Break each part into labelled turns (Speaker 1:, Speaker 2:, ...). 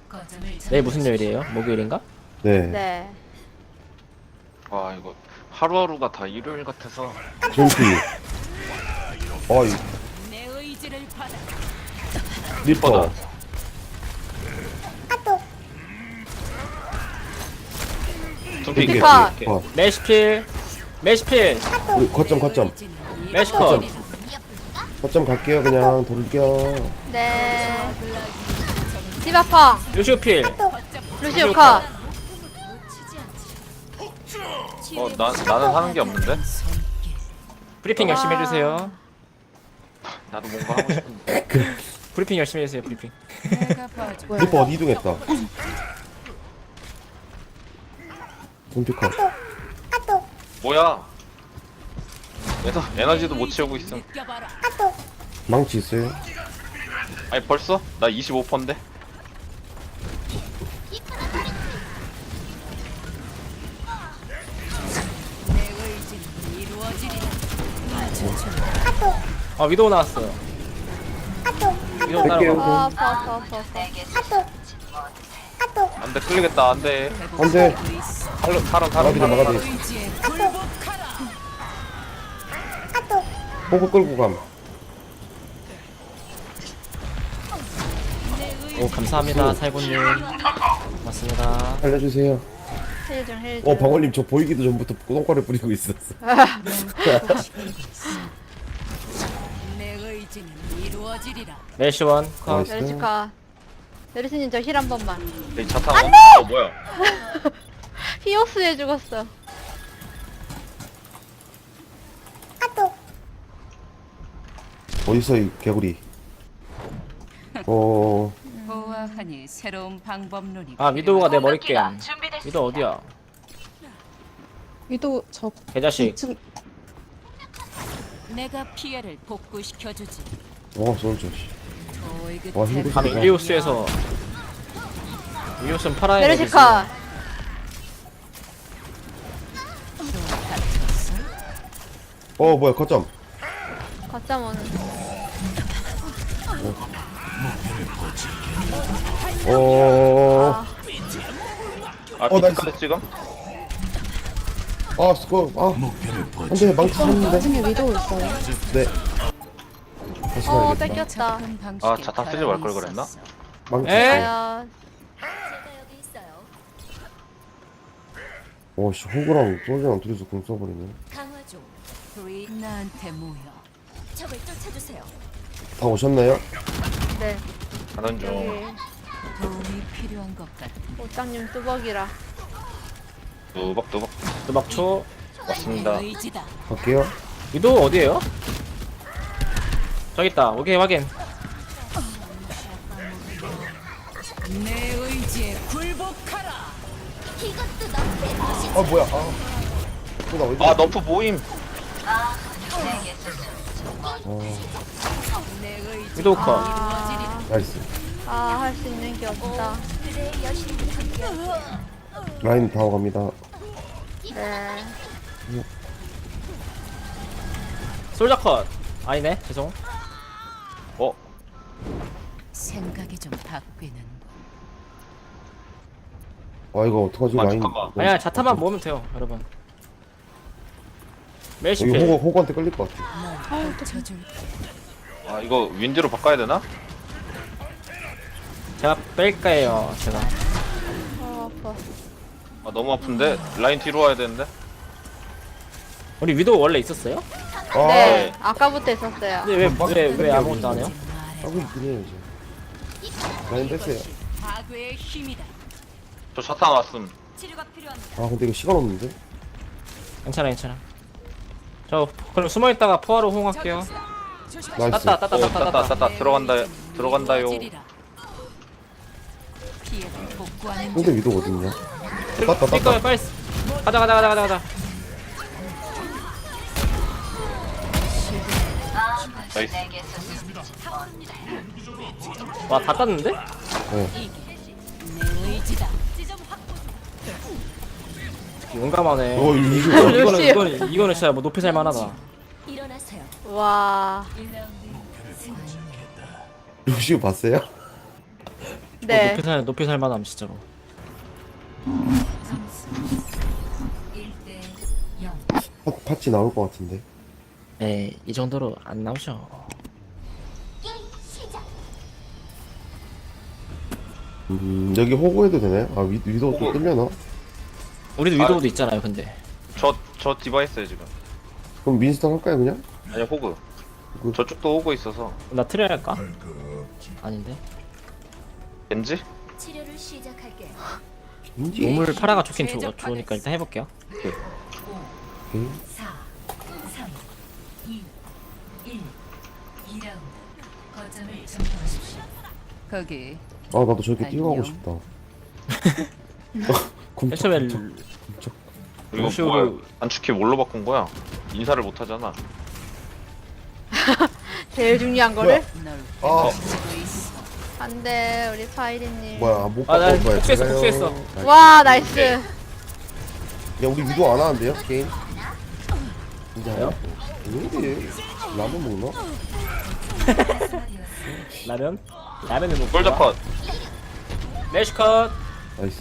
Speaker 1: 내일 무슨 요일이에요? 목요일인가?
Speaker 2: 네.
Speaker 3: 네.
Speaker 4: 와 이거 하루하루가 다 일요일 같아서.
Speaker 2: 준피. 어이. 리퍼.
Speaker 4: 둠피
Speaker 2: 이게
Speaker 3: 리퍼.
Speaker 2: 어.
Speaker 1: 메시필 메시필
Speaker 2: 우리 거점.
Speaker 1: 메시컷
Speaker 2: 거점 갈게요. 그냥 돌겨.
Speaker 3: 네. 디바펑.
Speaker 1: 루시오필
Speaker 3: 루시오 컷.
Speaker 4: 나는 하는 게 없는데.
Speaker 1: 브리핑 열심히 해주세요.
Speaker 4: 나도 뭔가 하고 싶은데.
Speaker 1: 브리핑 열심히 해주세요. 브리핑.
Speaker 2: 리퍼 어디 이동했다. 준피 컷.
Speaker 4: 뭐야? 에너지도 못 채우고 있음.
Speaker 2: 망치 있어요?
Speaker 4: 아니 벌써? 나 25%인데.
Speaker 1: 아 위도우 나왔어요. 위도우
Speaker 2: 뺄게요.
Speaker 1: 따라가.
Speaker 3: 아파.
Speaker 4: 안돼 끌리겠다 안돼.
Speaker 2: 안돼.
Speaker 4: 타러.
Speaker 2: 막아줘. 호구 끌고 감.
Speaker 1: 오 감사합니다 살구님. 고맙습니다.
Speaker 2: 알려주세요.
Speaker 3: 힐 좀.
Speaker 2: 방울님 저 보이기도 전부터 똥과를 뿌리고 있었어.
Speaker 1: 메시원 컷.
Speaker 2: 나이스.
Speaker 3: 메르시 컷. 메르시님 저 힐 한 번만.
Speaker 4: 내 차타. 뭐야?
Speaker 3: 히오스에 죽었어.
Speaker 2: 어디서 이 개구리?
Speaker 5: 보아하니 새로운 방법론이
Speaker 1: 아 위도우가 내 머리 깬. 위도우 어디야?
Speaker 6: 위도 저
Speaker 1: 개자식.
Speaker 6: 2층
Speaker 5: 내가 피해를 복구시켜주지.
Speaker 2: 솔저.
Speaker 5: 어이그
Speaker 2: 와, 힘들-
Speaker 1: 감히 일리우스에서 일리우스는 팔아야
Speaker 3: 메르시
Speaker 1: 되지.
Speaker 3: 컷.
Speaker 2: 뭐야 거점.
Speaker 3: 거점 오는.
Speaker 2: 어.
Speaker 4: 아
Speaker 2: 나이스.
Speaker 4: 피카드 지금?
Speaker 2: 스코. 안돼 망치 샀는데.
Speaker 6: 나중에 위도 있어요.
Speaker 2: 네. 다시 가야겠다.
Speaker 3: 뺏겼다.
Speaker 4: 아, 자탄 쓰지 말 걸 그랬나?
Speaker 2: 망치.
Speaker 1: 에?
Speaker 3: 과연.
Speaker 2: 씨 호구랑 솔저랑 둘이서 공 써버리네.
Speaker 5: 강화조 나한테 모여. 적을 쫓아주세요.
Speaker 2: 다 오셨나요?
Speaker 3: 네.
Speaker 4: 가는 중.
Speaker 3: 여기
Speaker 5: 도움이 필요한 것 같은.
Speaker 3: 옷장님 뚜벅이라.
Speaker 4: 뚜벅뚜벅
Speaker 1: 도박초.
Speaker 4: 왔습니다.
Speaker 5: 의지다.
Speaker 2: 갈게요.
Speaker 1: 위도우 어디에요? 저기 있다. 오케이 확인.
Speaker 5: 내 의지에 굴복하라.
Speaker 2: 뭐야? 나 어디?
Speaker 4: 아 너프 모임.
Speaker 1: 위도우 컷.
Speaker 2: 나이스.
Speaker 3: 할 수 있는 게 없다.
Speaker 2: 라인 다 오갑니다.
Speaker 3: 네.
Speaker 1: 솔저 컷. 아니네. 죄송.
Speaker 5: 생각이 좀 바뀌는.
Speaker 2: 이거 어떡하지 라인.
Speaker 4: 잠깐만.
Speaker 1: 아니야 자타만 모으면 돼요 여러분.
Speaker 2: 여기
Speaker 1: 메시필.
Speaker 2: 호구한테 끌릴 것 같아.
Speaker 5: 젖을
Speaker 4: 아 이거 윈디로 바꿔야 되나?
Speaker 1: 제가 뺄까요 제가.
Speaker 3: 아파.
Speaker 4: 아 너무 아픈데 라인 뒤로 와야 되는데.
Speaker 1: 우리 위도우 원래 있었어요?
Speaker 3: 네. 아까부터 있었어요.
Speaker 1: 근데 왜 아무것도 안 해요?
Speaker 2: 하고 있긴 해요 이제. 라인 뺐어요.
Speaker 5: 파괴의 힘이다.
Speaker 4: 저 자탄 왔음.
Speaker 5: 치료가 필요합니다.
Speaker 2: 근데 이거 시간 없는데?
Speaker 1: 괜찮아. 저 그럼 숨어 있다가 포화로 호응할게요.
Speaker 2: 나이스.
Speaker 1: 따따.
Speaker 4: 들어간다요.
Speaker 5: 피해를 복구하는
Speaker 2: 근데 위도 어딨냐?
Speaker 1: 뛸거야 빨리. 가자.
Speaker 4: 나이스.
Speaker 1: 와 다 땄는데?
Speaker 5: 내 의지다.
Speaker 1: 용감하네.
Speaker 2: 이거
Speaker 1: 이거는 진짜 뭐 높이 살만하다.
Speaker 5: 일어나세요.
Speaker 3: 와.
Speaker 2: 루시오 봤어요?
Speaker 3: 네.
Speaker 1: 높이 살만함 진짜로.
Speaker 5: 점수 1대 0.
Speaker 2: 파치 나올 것 같은데.
Speaker 1: 네, 이 정도로 안 나오죠.
Speaker 2: 여기 호구 해도 되나요? 아 위도 또
Speaker 4: 호구.
Speaker 2: 뜰려나?
Speaker 1: 우리도 위도우도 있잖아요, 근데.
Speaker 4: 저 디바 했어요 지금.
Speaker 2: 그럼 민스턴 할까요 그냥?
Speaker 4: 아니 호그.
Speaker 2: 호그.
Speaker 4: 저쪽도 호그 있어서.
Speaker 1: 나 트레 할까? 아닌데.
Speaker 4: 겐지?
Speaker 5: 치료를 시작할게요.
Speaker 2: 왠지.
Speaker 1: 우물 파라가 좋긴 좋으니까 일단 해볼게요.
Speaker 2: 오케이.
Speaker 5: 4, 3, 2, 1. 2라운드. 거점을 점령하십시오. 거기
Speaker 2: 아 나도 저렇게 뛰어가고
Speaker 5: 안녕.
Speaker 2: 싶다.
Speaker 1: 애초에
Speaker 4: 이거
Speaker 1: 루시오도-
Speaker 4: 뭐야? 단축키 뭘로 바꾼 거야? 인사를 못 하잖아.
Speaker 3: 제일 중요한 거를?
Speaker 5: 널
Speaker 2: 아
Speaker 5: 지고 있어.
Speaker 3: 안돼 우리 파이리님.
Speaker 2: 뭐야 못
Speaker 1: 아, 나
Speaker 2: 바꿔 거야.
Speaker 1: 복수했어,
Speaker 2: 제가요.
Speaker 1: 복수했어.
Speaker 2: 나이스.
Speaker 3: 와 나이스.
Speaker 2: 야 우리 위도 안 하는데요 게임? 진짜요? 왜 이래? 라면 먹나?
Speaker 1: 라면? 라면을 먹고.
Speaker 4: 솔저 컷.
Speaker 1: 메시컷.
Speaker 2: 나이스.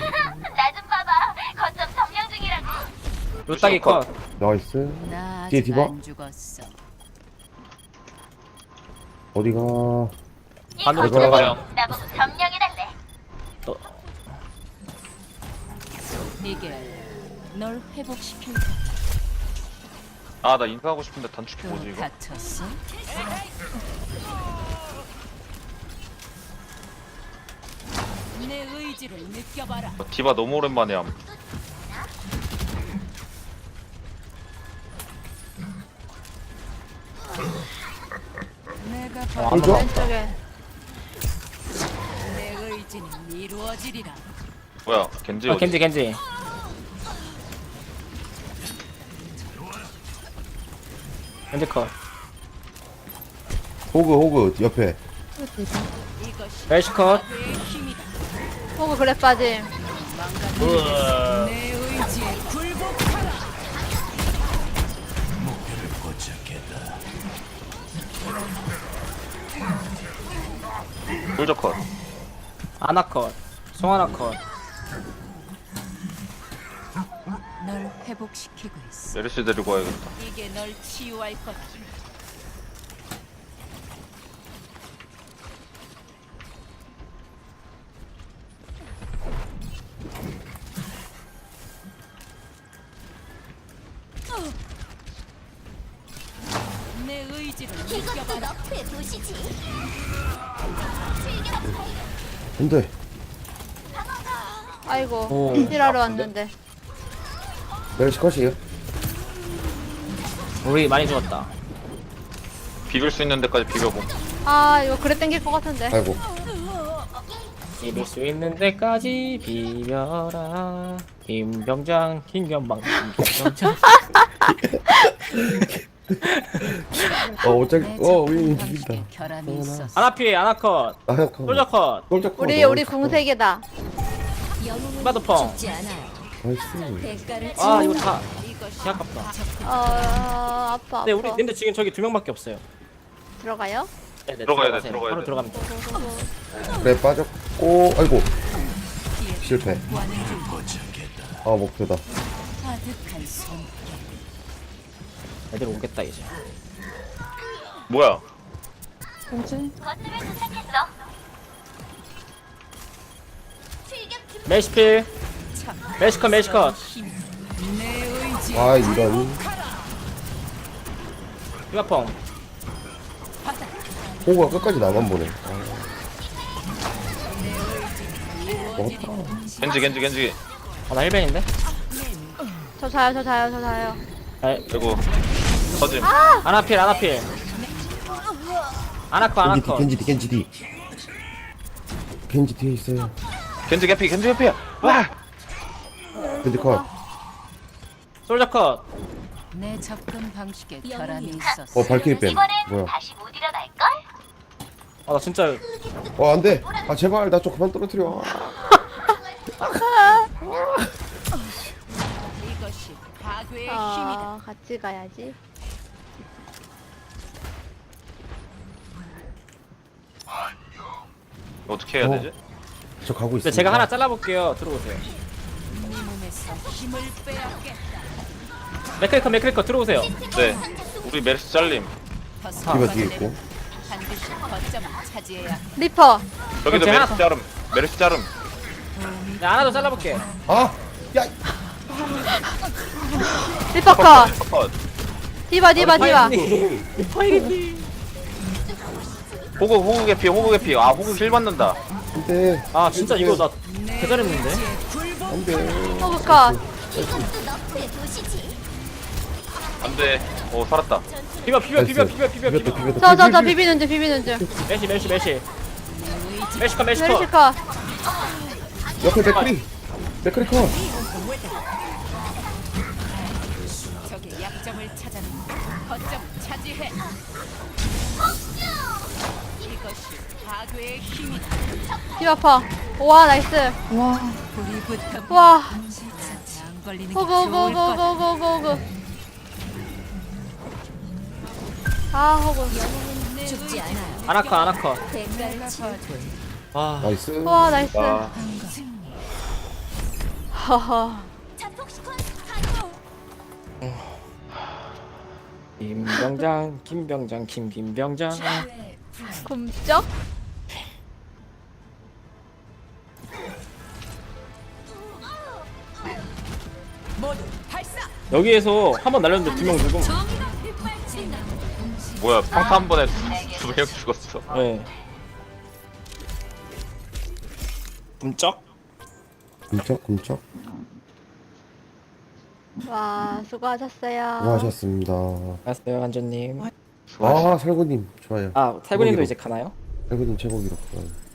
Speaker 1: 루따기 컷.
Speaker 2: 나이스.
Speaker 5: 나
Speaker 2: 뒤에
Speaker 5: 아직
Speaker 2: 디바?
Speaker 5: 안 죽었어.
Speaker 2: 어디가?
Speaker 1: 반으로
Speaker 2: 이거-
Speaker 1: 들어가요.
Speaker 5: 이게 널 회복시킬
Speaker 4: 아 나 인사하고 싶은데 단축키 뭐지
Speaker 5: 또
Speaker 4: 이거?
Speaker 5: 다쳤어? 내 의지를 느껴봐라.
Speaker 4: 디바 너무 오랜만에 함.
Speaker 5: 내가
Speaker 1: 안
Speaker 5: 바로
Speaker 2: 솔저?
Speaker 3: 왼쪽에.
Speaker 5: 내 의지는 이루어지리라.
Speaker 4: 뭐야 겐지
Speaker 1: 아,
Speaker 4: 어디?
Speaker 1: 겐지. 겐지 컷.
Speaker 2: 호그 옆에.
Speaker 5: 이것이
Speaker 1: 메시컷.
Speaker 5: 내 힘이다.
Speaker 3: 호구 그래 빠짐.
Speaker 5: 내 의지에 굴복하라.
Speaker 4: 솔저 컷.
Speaker 1: 아나컷. 송하나컷.
Speaker 5: 널 회복시키고 있어.
Speaker 4: 메르시 데리고 와야겠다.
Speaker 5: 이게 널 치유할 거다. 내 의지를 느껴봐라.
Speaker 2: 안돼.
Speaker 3: 아이고
Speaker 1: 오.
Speaker 3: 힐하러 왔는데.
Speaker 2: 내가 시컷이에요.
Speaker 1: 우리 많이 죽었다.
Speaker 4: 비빌 수 있는 데까지 비벼봄.
Speaker 3: 아 이거 그래 땡길 것 같은데.
Speaker 2: 아이고.
Speaker 1: 비빌 수 있는 데까지 비벼라. 김병장, 김경방, 김병장.
Speaker 2: 어차피
Speaker 5: 내
Speaker 2: 우리
Speaker 5: 작품
Speaker 2: 이긴다.
Speaker 5: 방식에 결함이 있었어.
Speaker 1: 아나피, 아나컷.
Speaker 2: 아
Speaker 1: 솔저컷.
Speaker 3: 우리 궁색이다.
Speaker 1: 스마드펑.
Speaker 2: 나이스.
Speaker 5: 대가를
Speaker 1: 아, 이거 다.
Speaker 5: 이것이
Speaker 1: 개 아깝다.
Speaker 3: 아파.
Speaker 1: 근데 우리 근데 지금 저기 2명밖에 없어요.
Speaker 3: 들어가요?
Speaker 1: 네네,
Speaker 4: 들어가야 돼,
Speaker 1: 들어가세요.
Speaker 4: 들어가야
Speaker 1: 바로
Speaker 4: 돼.
Speaker 1: 들어가면 돼.
Speaker 2: 그래 빠졌고 아이고 실패. 아 목표다.
Speaker 5: 가득한 손.
Speaker 1: 애들 오겠다 이제.
Speaker 4: 뭐야?
Speaker 1: 메시필. 메시컷.
Speaker 5: 내 의지
Speaker 2: 아 이런.
Speaker 1: 휴가펑.
Speaker 2: 호구가 끝까지 나만 보네.
Speaker 4: 겐지.
Speaker 1: 아, 나 1벤인데?
Speaker 3: 저 자요.
Speaker 4: 그리고 터짐.
Speaker 1: 아나필. 아나컷.
Speaker 2: 겐지 뒤. 겐지 뒤에 있어요.
Speaker 4: 겐지 개피야. 와.
Speaker 2: 겐지 컷.
Speaker 1: 솔저컷.
Speaker 5: 내 접근 방식에 결함이 있었어.
Speaker 2: 발키리 뺨. 뭐야?
Speaker 1: 아, 나 진짜.
Speaker 2: 안돼. 아 제발 나 좀 그만 떨어뜨려.
Speaker 5: 이것이 파괴의 힘이다.
Speaker 3: 같이 가야지.
Speaker 4: 어떻게 해야
Speaker 2: 어.
Speaker 4: 되지?
Speaker 2: 저 가고
Speaker 1: 근데
Speaker 2: 있습니다.
Speaker 1: 제가 하나 잘라볼게요. 들어오세요.
Speaker 5: 네 몸에서 힘을 빼앗겠다.
Speaker 1: 맥크리커 들어오세요.
Speaker 4: 네. 우리 메르시 잘림.
Speaker 2: 디바 뒤에 있고.
Speaker 5: 반드시 거점을 차지해야
Speaker 3: 리퍼.
Speaker 4: 저기도
Speaker 1: 제가
Speaker 4: 메르시 자름. 메르시 자름.
Speaker 1: 네, 하나 더 잘라볼게.
Speaker 2: 아! 야!
Speaker 3: 리퍼 컷.
Speaker 4: 컷.
Speaker 3: 디바 디바 디바.
Speaker 4: 호구 개피. 아 호구 힐 받는다.
Speaker 2: 안 돼.
Speaker 1: 아 진짜 이거 나 개잘했는데.
Speaker 2: 안 돼.
Speaker 3: 호그 컷.
Speaker 4: 안돼. 오 살았다.
Speaker 1: 비벼.
Speaker 2: 비볐다.
Speaker 3: 저 비비는 중 비비는 중.
Speaker 1: 메시
Speaker 3: 메르시
Speaker 1: 컷.
Speaker 3: 컷.
Speaker 2: 옆에 맥크리. 맥크리 컷.
Speaker 5: 적의 약점을 찾아내 거점을 차지해. 이것이 파괴의 힘이다.
Speaker 3: 디바 퍼. 와 나이스.
Speaker 5: 불이 붙어
Speaker 3: 와.
Speaker 5: 안 걸리는 게
Speaker 3: 호그
Speaker 5: 좋을
Speaker 3: 호그
Speaker 5: 것.
Speaker 3: 호그 호그 호그. 아 호그.
Speaker 5: 죽지 않아요.
Speaker 1: 아나컷. 와.
Speaker 2: 나이스.
Speaker 3: 와 나이스.
Speaker 4: 아
Speaker 3: 허허.
Speaker 1: 김병장.
Speaker 3: 굼쩍.
Speaker 1: 여기에서 한 번 날렸는데 두 명 죽음.
Speaker 4: 뭐야 평타 한 번에 두 명 죽었어.
Speaker 1: 네. 꿈쩍?
Speaker 2: 굼쩍.
Speaker 3: 와 수고하셨어요.
Speaker 2: 수고하셨습니다.
Speaker 1: 알았어요, 한조님.
Speaker 2: 아, 살구님 좋아요.
Speaker 1: 아, 살구님도
Speaker 2: 제목이로.
Speaker 1: 이제 가나요?
Speaker 2: 살구님 제목이로.